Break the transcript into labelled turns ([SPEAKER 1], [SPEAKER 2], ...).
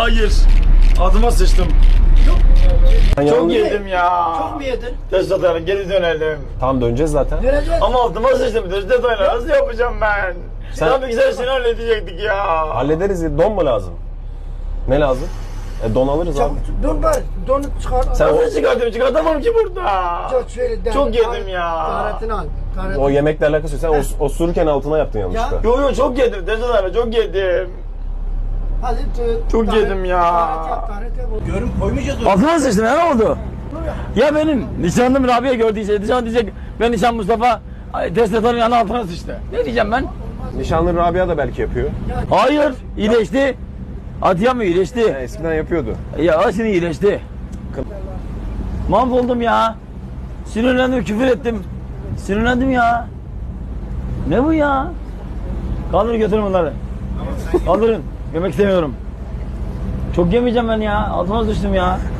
[SPEAKER 1] Hayır. Adıma sıçtım. Çok yedim ya.
[SPEAKER 2] Çok mu yedin?
[SPEAKER 1] Test atarım, geri dönelim.
[SPEAKER 3] Tamam döneceğiz zaten.
[SPEAKER 2] Döneceğiz.
[SPEAKER 1] Ama altıma sıçtım. Test atarım. Nasıl yapacağım ben? Tabii ki sen seni halledecektik ya.
[SPEAKER 3] Hallederiz ya. Don mu lazım? Ne lazım? Don alırız abi.
[SPEAKER 2] Dur bari. Donu çıkar.
[SPEAKER 3] Sen
[SPEAKER 1] Nasıl çıkartıyorum? Çıkartamam ki burada. Çok yedim ya.
[SPEAKER 2] Taharetini al. Taharetini.
[SPEAKER 3] o yemekle alakası yok. Sen osururken altına yaptın yanlışlıkla.
[SPEAKER 1] Yo çok yedim. Test atarım, çok yedim.
[SPEAKER 2] Hadi
[SPEAKER 1] Çok yedim ya.
[SPEAKER 2] Taharet yap.
[SPEAKER 4] Görüm koymayacağız.
[SPEAKER 5] Altıma sıçtım ya, ne oldu? Ya benim nişanlım Rabia gördüyse nişan diyecek ben nişan Mustafa test atanın yanına altına sıçtı. Ne diyeceğim ben?
[SPEAKER 3] Nişanlı Rabia da belki yapıyor.
[SPEAKER 5] Hayır, iyileşti. Atiye mi iyileşti?
[SPEAKER 3] Eskiden yapıyordu.
[SPEAKER 5] Ya şimdi iyileşti. Mahvoldum ya. Sinirlendim, küfür ettim. Sinirlendim ya. Ne bu ya? Kaldırın, götürün bunları. Kaldırın. Yemek istemiyorum. Çok yemeyeceğim ben ya. Altıma sıçtım ya.